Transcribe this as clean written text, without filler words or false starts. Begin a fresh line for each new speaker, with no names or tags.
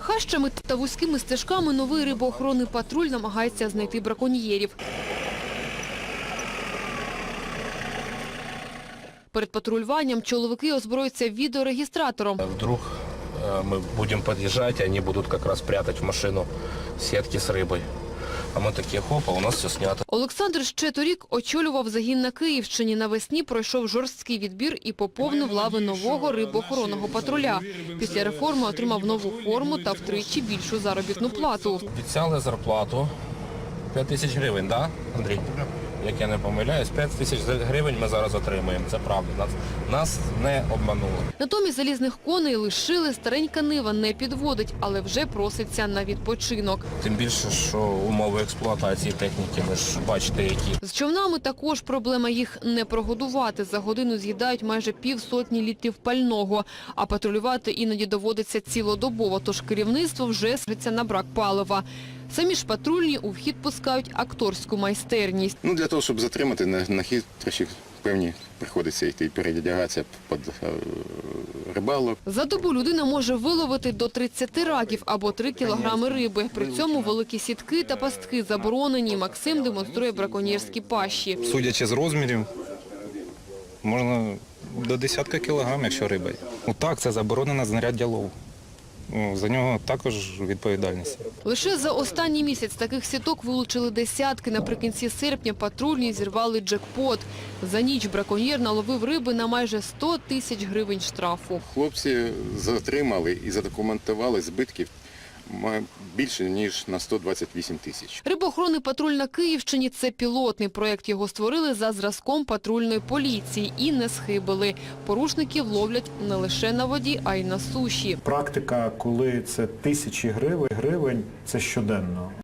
Хащами та вузькими стежками новий рибоохоронний патруль намагається знайти браконьєрів. Перед патрулюванням чоловіки озброюються відеорегістратором.
Вдруг мы будем подъезжать, и они будут как раз прятать в машину сетки с рыбой. А мы такие, хоп, а у нас все снято.
Олександр ще торік очолював загін на Київщині. Навесні пройшов жорсткий відбір і поповнив лави нового рибоохоронного патруля. Після реформи отримав нову форму та втричі більшу заробітну плату.
Обіцяли зарплату 5 тисяч гривень, так, Андрій? Як я не помиляюсь, 5 тисяч гривень ми зараз отримуємо. Це правда. Нас не обманули.
Натомість залізних коней лишили, старенька нива не підводить, але вже проситься на відпочинок.
Тим більше, що умови експлуатації техніки, ви ж бачите, які.
З човнами також проблема, їх не прогодувати. За годину з'їдають майже півсотні літрів пального, а патрулювати іноді доводиться цілодобово, тож керівництво вже скаржиться на брак палива. Самі ж патрульні у вхід пускають акторську майстерність.
Для того, щоб затримати на хитрощі, певні приходиться йти передягатися під рибалок.
За добу людина може виловити до 30 раків або 3 кілограми риби. При цьому великі сітки та пастки заборонені. Максим демонструє браконьєрські пащі.
Судячи з розмірів, можна до десятка кілограм, якщо риба є. Так, це заборонено знаряддя лову. За нього також відповідальність.
Лише за останній місяць таких сіток вилучили десятки. Наприкінці серпня патрульні зірвали джекпот. За ніч браконьєр наловив риби на майже 100 тисяч гривень штрафу.
Хлопці затримали і задокументували збитків більше, ніж на 128 тисяч.
Рибоохоронний патруль на Київщині – це пілотний проєкт. Його створили за зразком патрульної поліції і не схибили. Порушників ловлять не лише на воді, а й на суші.
Практика, коли це тисячі гривень, це щоденно.